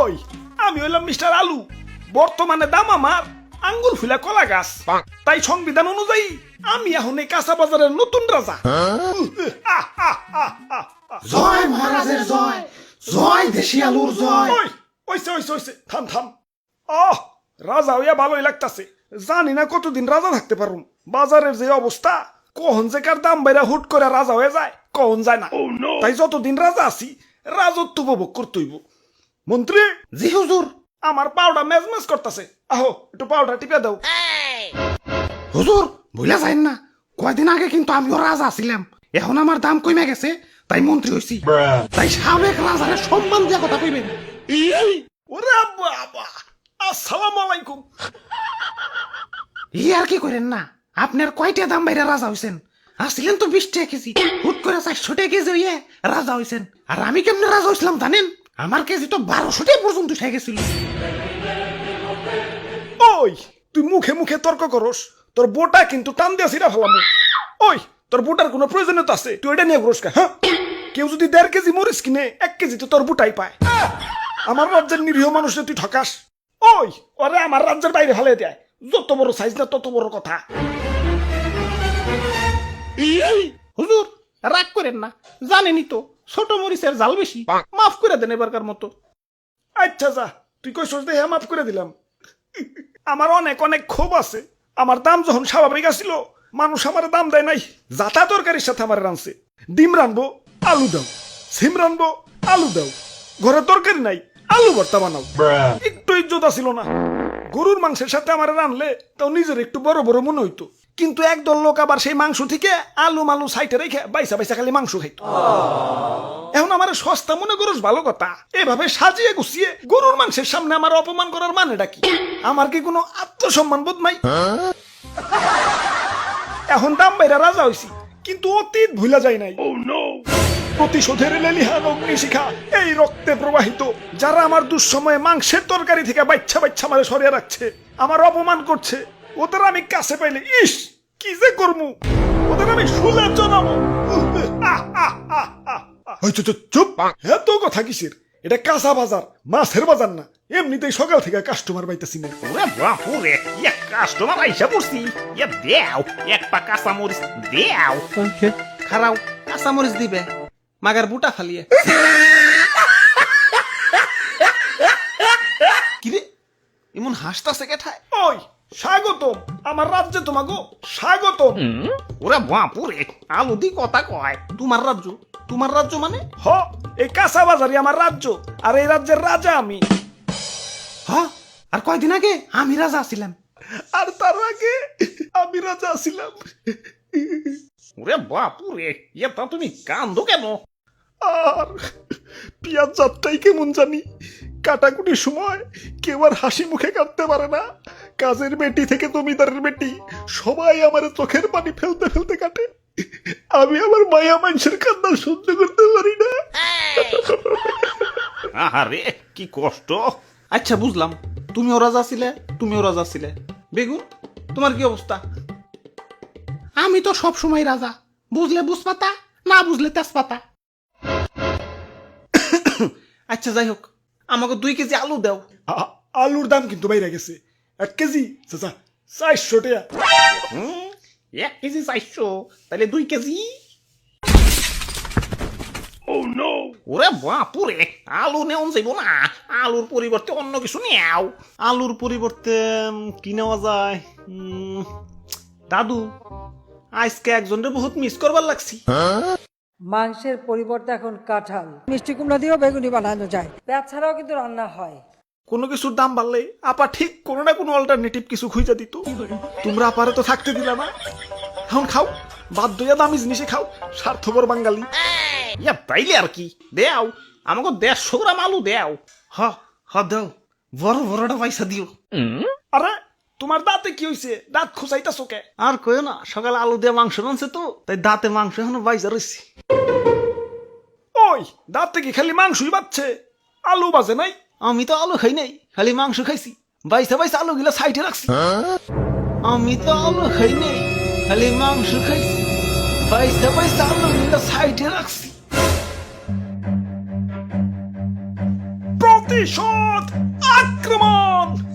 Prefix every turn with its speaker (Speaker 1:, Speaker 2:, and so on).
Speaker 1: ওই আমি হইলাম মিস্টার আলু, বর্তমানে দাম আমার আঙ্গুল ফুলা কলা গাছ। তাই সংবিধান অনুযায়ী আমি এখন এই কাঁচা বাজারের নতুন রাজা।
Speaker 2: জয় মহারাজের জয়, জয় দেশি আলুর জয়।
Speaker 1: ওই ওইসে ওইসে ওইসে থাম থাম। আহ রাজা হইয়া ভালোই লাগতাছে, জানি না কতদিন রাজা থাকতে পারুম। বাজারের যে অবস্থা, কখন যে কার দাম বাইরা হুট করে রাজা হয়ে যায় কখন যায় না। তাই যতদিন রাজা আছি রাজত্ব উপভোগ করতে হইব। মন্ত্রী,
Speaker 2: জি হুজুর।
Speaker 1: আমার পাউডা মেজমেজ করতেছে, আহো একটু পাউডার টিপে দাও।
Speaker 2: হুজুর ভুলে যাইন না, কয়দিন আগে কিন্তু আমিও রাজা ছিলাম, এখন আমার দাম কমে গেছে তাই মন্ত্রী হইছি। তাই সাবেক রাজারে সম্মান দিয়া কথা কইবেন।
Speaker 1: ওরে বাবা, আসসালামু আলাইকুম।
Speaker 2: ই আর কি করেন না, আপনার কয়টা দাম বাইরে রাজা হইছেন? আসছিলেন তো 20 টাকা কেজি, হুট করে 400 টাকা কেজি হইয়ে রাজা হইছেন। আর আমি কেমনে রাজা হইছিলাম জানেন? আমার কেজি তো 1200 টাকা পর্যন্ত উঠে গেছিল।
Speaker 1: ওই তুই মুখে মুখে তর্ক করস, তোর বোটা কিন্তু টান দিয়া ছিড়া ফেলাম। ওই তোর বোটার কোনো প্রয়োজনীয়তা আছে? তুই এটা নিয়ে ঘুরস কা? হ্যাঁ, কেউ যদি 1.5 কেজি মরিচ কিনে 1 কেজি তো তোর বোটাই পায়। আমার রাজ্যের নিরীহ মানুষের তুই ঠকাস। ওই ওরে আমার রাজ্যের বাইরে ফেলে দেয়, যত বড় সাইজ না তত বড় কথা।
Speaker 2: হুজুর রাগ করেন না, জানেনই তো ছোট মরিচের জাল বেশি, মাফ করে দেন এবারকার মতো।
Speaker 1: আচ্ছা যা, তুই কই সোজ দেহে মাফ করে দিলাম। আমার অনেক অনেক ক্ষোভ আছে। আমার দাম যখন স্বাভাবিক আসছিল, মানুষ আমার দাম দেয় নাই। যাতা তরকারির সাথে আমার রানছে, ডিম রানবো আলু দাও, সিম রানবো আলু দাও, ঘরে তরকারি নাই আলু ভর্তা বানাও। একটু ইজ্জত ছিল না। গরুর মাংসের সাথে আমার রানলে তাও নিজের একটু বড় বড় মনে হইতো, কিন্তু একদল লোক আবার সেই মাংস থেকে আলু মালু সাইটে রেখে বাইসা বাইসা খালি মাংস খাইতো। এখন আমার সস্তা মনে করস ভালো কথা, এভাবে সাজিয়ে গুছিয়ে গরুর মাংসের সামনে আমার অপমান করার মানেটা কি? আমার কি কোনো আত্মসম্মান বোধ নাই? এখন দাম বাইরা রাজা হইছি, কিন্তু অতীত ভুলা যায় নাই। প্রতিশোধের লেলিহান অগ্নিশিখা এই রক্তে প্রবাহিত। যারা আমার দুঃসময়ে মাংসের তরকারি থেকে বাচ্চা বাচ্চা মারে সরিয়ে রাখছে, আমার অপমান করছে, ওদের আমি কাছে পাইলে ইস কি যে করমু, ওদের আমি শুলে জানাবো। চুপ, এত কথা কিসের? এটা কাঁচা বাজার, মাছের বাজার না। এমনিতেই সকাল থেকে কাস্টমার পাইতেছি না।
Speaker 3: ওরে বাপুরে, এক কাস্টমার আইসা পড়ছি। ইয়া দেও, এক পা কাঁচা মরিচ দেও।
Speaker 2: খারাও কাঁচা মরিচ দিবে, মাগার বুটা ফালিয়ে। কিরে এমন হাসতাছে কেঠায়?
Speaker 1: ওই স্বাগতম আমার রাজ্যে, তোমাগো স্বাগতম।
Speaker 3: ওরে বাপুরে, আলু দি কথা কয়।
Speaker 2: তোমার রাজ্য? তোমার রাজ্য মানে?
Speaker 1: হ, এই কাঁচা বাজারই আমার রাজ্য, আর এই রাজ্যের রাজা আমি।
Speaker 2: হ্যাঁ, আর কয়দিন আগে আমি রাজা ছিলাম।
Speaker 1: আর তার আগে আমি রাজা ছিলাম।
Speaker 3: ওরে বাপুরে, এটা তুমি কান্দো কেন?
Speaker 1: আর পিয়াজ যাত্রাই কেমন জানি, কাটাকুটির সময় কেউ আর হাসি মুখে কাটতে পারে না। কাজের বেটি থেকে জমিদারের বেটি সবাই আমার চোখের পানি ফেলতে ফেলতে কাটে। আমি আমার মায়া মানুষের কান্না সহ্য করতে পারি না।
Speaker 3: আহারে কি কষ্ট।
Speaker 2: আচ্ছা বুঝলাম, তুমিও রাজা ছিলে, তুমিও রাজা ছিলে। বেগুন তোমার কি অবস্থা? আমি তো সব সময় রাজা, বুঝলে বুঝপাতা, না বুঝলে তেজপাতা। আচ্ছা যাই হোক, আমাকে 2 কেজি আলু দাও।
Speaker 1: আলুর দাম কিন্তু বাইরে গেছে। 1 কেজি চাচা 400 টাকা।
Speaker 3: 1 কেজি 400, তাহলে 2 কেজি। ওরে বাপুরে, আলু নেওয়া যাইব না, আলুর পরিবর্তে অন্য কিছু নেও।
Speaker 2: আলুর পরিবর্তে কি নেওয়া যায়? দাদু, আজকে একজনের বহুত মিস করবার লাগছি।
Speaker 4: মাংসের পরিবর্তে এখন কাঁঠাল, মিষ্টি কুমড়া দিয়েও বেগুনি বানানো যায়। পেঁয়াজ ছাড়াও কিন্তু রান্না হয়।
Speaker 1: কোনো কিছুর দাম বাড়লে আপা ঠিক কোনো না কোনো অল্টারনেটিভ কিছু খুঁজে দিত। তোমরা আপারে তো থাকতে দিলা না। এখন খাও, বাধ্য হইয়া দামি জিনিসে খাও, স্বার্থপর বাঙালি।
Speaker 3: ইয়া তাইলে আর কি, দেও আমাকে 150 গ্রাম আলু দেও।
Speaker 2: হ দাও, বড় বড়টা পয়সা দিও।
Speaker 1: আরে তোমার দাঁতে কি হইছে? দাঁত খুঁচাইতাছো কে?
Speaker 2: আর কইও না, সকালে আলু দিয়ে মাংস রানছে তো, তাই দাঁতে মাংস এখনো বাইজা রয়েছে।
Speaker 1: ওই দাঁতে কি খালি মাংসই বাচ্ছে, আলু বাজে নাই?
Speaker 2: আমি তো আলু খাই নাই, খালি মাংস খাইছি। বাইসা বাইসা আলু গিলা সাইডে রাখছি। আমি তো আলু খাই নাই, খালি মাংস খাইছি। বাইসা বাইসা আলু গিলা সাইডে রাখছি।
Speaker 1: প্রতিশোধ আক্রমণ।